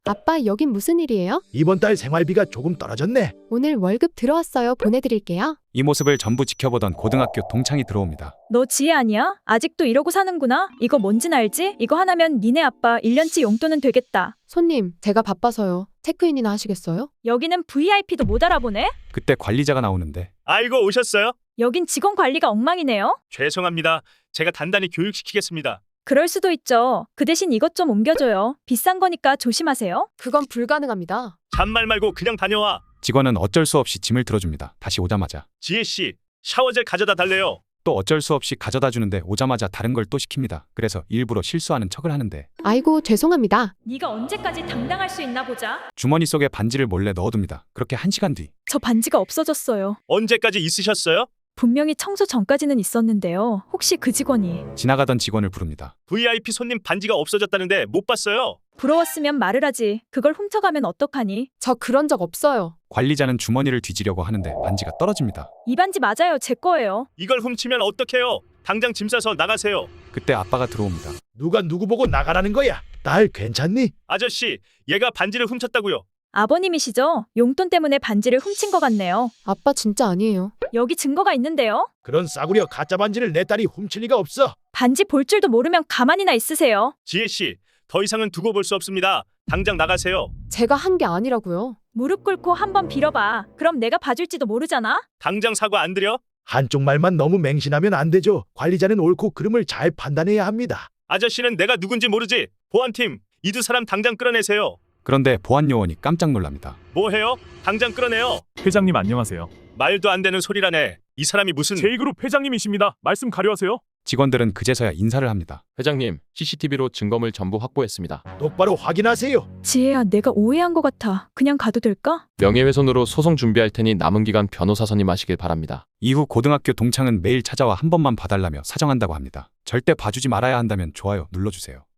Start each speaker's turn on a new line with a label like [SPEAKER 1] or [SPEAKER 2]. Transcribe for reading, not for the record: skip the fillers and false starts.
[SPEAKER 1] 아빠, 여긴 무슨 일이에요?
[SPEAKER 2] 이번 달 생활비가 조금 떨어졌네.
[SPEAKER 1] 오늘 월급 들어왔어요. 보내드릴게요.
[SPEAKER 3] 이 모습을 전부 지켜보던 고등학교 동창이 들어옵니다.
[SPEAKER 4] 너 지혜 아니야? 아직도 이러고 사는구나? 이거 뭔진 알지? 이거 하나면 니네 아빠 1년치 용돈은 되겠다.
[SPEAKER 1] 손님, 제가 바빠서요. 체크인이나 하시겠어요?
[SPEAKER 4] 여기는 VIP도 못 알아보네?
[SPEAKER 3] 그때 관리자가 나오는데
[SPEAKER 5] 아이고 오셨어요?
[SPEAKER 4] 여긴 직원 관리가 엉망이네요?
[SPEAKER 5] 죄송합니다. 제가 단단히 교육시키겠습니다.
[SPEAKER 4] 그럴 수도 있죠. 그 대신 이것 좀 옮겨줘요. 비싼 거니까 조심하세요.
[SPEAKER 1] 그건 불가능합니다.
[SPEAKER 5] 잔말 말고 그냥 다녀와.
[SPEAKER 3] 직원은 어쩔 수 없이 짐을 들어줍니다. 다시 오자마자
[SPEAKER 5] 지혜씨, 샤워젤 가져다 달래요.
[SPEAKER 3] 또 어쩔 수 없이 가져다 주는데 오자마자 다른 걸 또 시킵니다. 그래서 일부러 실수하는 척을 하는데
[SPEAKER 1] 아이고, 죄송합니다.
[SPEAKER 4] 네가 언제까지 당당할 수 있나 보자.
[SPEAKER 3] 주머니 속에 반지를 몰래 넣어둡니다. 그렇게 1시간 뒤
[SPEAKER 4] 저 반지가 없어졌어요.
[SPEAKER 5] 언제까지 있으셨어요?
[SPEAKER 4] 분명히 청소 전까지는 있었는데요. 혹시 그 직원이
[SPEAKER 3] 지나가던 직원을 부릅니다.
[SPEAKER 5] VIP 손님 반지가 없어졌다는데 못 봤어요.
[SPEAKER 4] 부러웠으면 말을 하지. 그걸 훔쳐가면 어떡하니?
[SPEAKER 1] 저 그런 적 없어요.
[SPEAKER 3] 관리자는 주머니를 뒤지려고 하는데 반지가 떨어집니다.
[SPEAKER 4] 이 반지 맞아요. 제 거예요.
[SPEAKER 5] 이걸 훔치면 어떡해요? 당장 짐 싸서 나가세요.
[SPEAKER 3] 그때 아빠가 들어옵니다.
[SPEAKER 2] 누가 누구 보고 나가라는 거야? 딸 괜찮니?
[SPEAKER 5] 아저씨, 얘가 반지를 훔쳤다고요.
[SPEAKER 4] 아버님이시죠? 용돈 때문에 반지를 훔친 것 같네요.
[SPEAKER 1] 아빠 진짜 아니에요.
[SPEAKER 4] 여기 증거가 있는데요.
[SPEAKER 2] 그런 싸구려 가짜 반지를 내 딸이 훔칠 리가 없어.
[SPEAKER 4] 반지 볼 줄도 모르면 가만히나 있으세요.
[SPEAKER 5] 지혜씨, 더 이상은 두고 볼 수 없습니다. 당장 나가세요.
[SPEAKER 1] 제가 한 게 아니라고요.
[SPEAKER 4] 무릎 꿇고 한번 빌어봐. 그럼 내가 봐줄지도 모르잖아.
[SPEAKER 5] 당장 사과 안 드려?
[SPEAKER 2] 한쪽 말만 너무 맹신하면 안 되죠. 관리자는 옳고 그름을 잘 판단해야 합니다.
[SPEAKER 5] 아저씨는 내가 누군지 모르지? 보안팀, 이 두 사람 당장 끌어내세요.
[SPEAKER 3] 그런데 보안 요원이 깜짝 놀랍니다.
[SPEAKER 5] 뭐 해요? 당장 끌어내요.
[SPEAKER 6] 회장님 안녕하세요.
[SPEAKER 5] 말도 안 되는 소리라네. 이 사람이 무슨...
[SPEAKER 6] 제2그룹 회장님이십니다. 말씀 가려하세요.
[SPEAKER 3] 직원들은 그제서야 인사를 합니다.
[SPEAKER 7] 회장님, CCTV로 증거물 전부 확보했습니다.
[SPEAKER 2] 똑바로 확인하세요.
[SPEAKER 4] 지혜야, 내가 오해한 것 같아. 그냥 가도 될까?
[SPEAKER 7] 명예훼손으로 소송 준비할 테니 남은 기간 변호사 선임하시길 바랍니다.
[SPEAKER 3] 이후 고등학교 동창은 매일 찾아와 한 번만 봐달라며 사정한다고 합니다. 절대 봐주지 말아야 한다면 좋아요 눌러주세요.